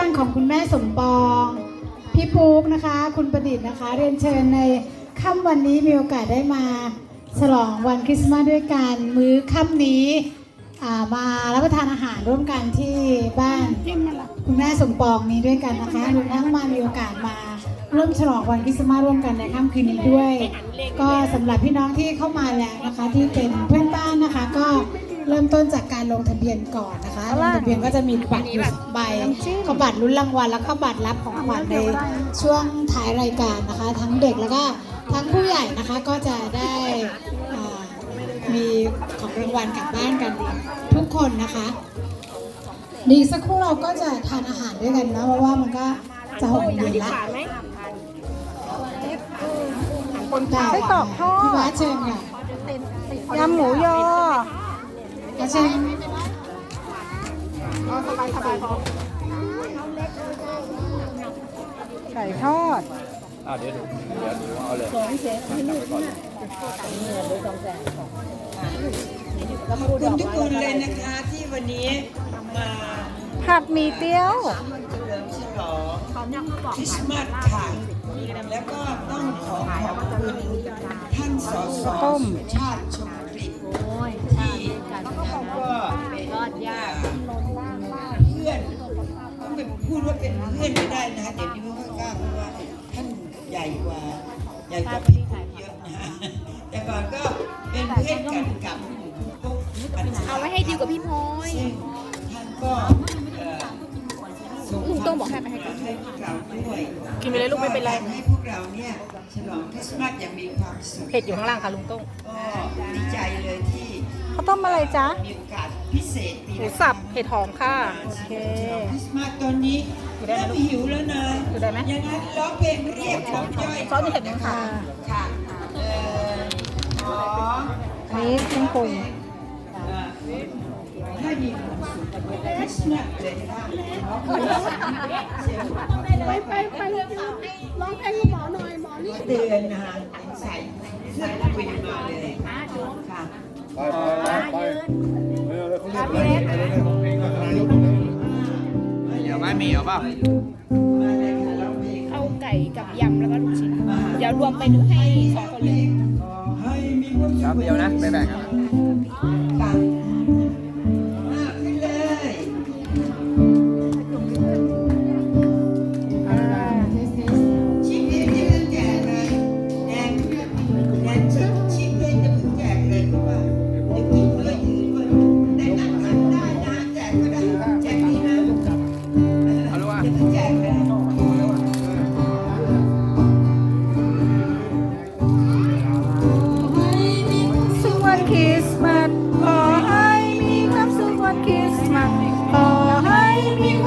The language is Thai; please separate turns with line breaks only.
างของคุณแม่สมปองพี่ปุ๊กนะคะคุณประดิษฐ์นะคะเรียนเชิญในค่ำวันนี้มีโอกาสได้มาฉลองวันคริสต์มาสด้วยกันมื้อค่ำนี้มารับประทานอาหารร่วมกันที่บ้านคุณแม่สมปองนี้ด้วยกันนะคะรวมทั้งมามีโอกาสมาร่วมฉลองวันคริสต์มาสร่วมกันในค่ำคืนนี้ด้วย ก็สำหรับพี่น้องที่เข้ามาแล้วนะคะที่เป็นเพื่อนบ้านนะคะก็เริ่มต้นจากการลงทะเบียนก่อนนะคะลงทะเบียนก็จะมีบัตรอยู่2ใบก็บัตรลุ้นรางวัลแล้วก็บัตรรับของขวัญในช่วงท้ายรายการนะคะทั้งเด็กแล้วก็ทั้งผู้ใหญ่นะคะก็จะได้มีของรางวัลกลับบ้านกันทุกคนนะคะดีสักครู่เราก็จะทานอาหารด้วยกันนะเพราะว่ามันก็จะ6 โมงเย็นละ
ไส้กรอกทอด
พี่วัดเชิญค่ะ
ยำหมูยอ
เชิญ
ไก่ทอด
เดี๋ยวเอาเลย
ขอบคุณทุกคนเลยนะคะที่วันนี้มา
ผัดหมี่เตี๋ยว
เฉลิมฉลองคริสต์มาสค่ะ แล้วก็ต้องขอขอบคุณท่านสส
ต้ม
สุชาติชมกลิ่นที่ก็เป็นเพื่อนต้องไปพูดว่าเป็นเพื่อนไม่ได้นะคะเดี๋ยวนี้ไม่ค่อยกล้าเพราะว่าท่านใหญ่กว่าพี่ปุ๊กเยอะนะแต่ก่อนก็เป็นเพื่อนกันกับคุณปุ๊ก
เอาไว้ให้ดีกว่าพี่พลอย
ซึ่งท่านก็ส่ง
ลุงโต้งบอกให้ไปให้
ให้พวกเราด้วย
กินไปเลยลูกไม่เป็นไร
ให้พวกเราเนี่ยฉลองคริสต์มาสอย่างมีความสุข
เผ็ดอยู่ข้างล่างค่ะลุงโต้ง
ก็ดีใจเลยที่
ข้าวต้มอะไรจ๊ะ
มีโอกาสพิเศษ
หมูสับเห็ดหอมค่ะ
โอเค
คริสต์มาสตอนนี้เริ่มหิวแล้วนะ
อยู่ได้ไหม
ยังไงร้องเพลงเรียกน้ำย่อย
ซอสนี่เห็ดไหมคะ
ค่ะขอ
อันนี้เครื่องปรุง
ให้มีความสุขคริสต์มาสเลยค่ะ
ไปร้องเพลงกับหมอหน่อยหมอนี่
เตือนนะคะใส่เสื้อคุยมาเลยค่ะ
เดี๋ยวไม่มีเอาเปล่า
มาเลยค่ะร้องเพลง
เอาไก่กับยำแล้วก็ลูกชิ้น เดี๋ยวรวมไปดูให้2 คนเลย
ขอให้มีความสุ
ครั
ข
บเดียวนะไปแบ่งกันนะ
ค่ะขึ้นเลย ชิมเองจะเพิ่งแจกเลยแดงชิมเองจะเพิ่งแจกเลยเพราะว่าจะกินด้วยยืนด้วยได้นั่งทานได้นะแจกก็ได้แจกดีนะ
เอาลูกอ่ะ
จะเพิ่งแจกเลย
สุขวันคริสต์มาสขอให้มีความสุขวันคริสต์มาสขอให้มีค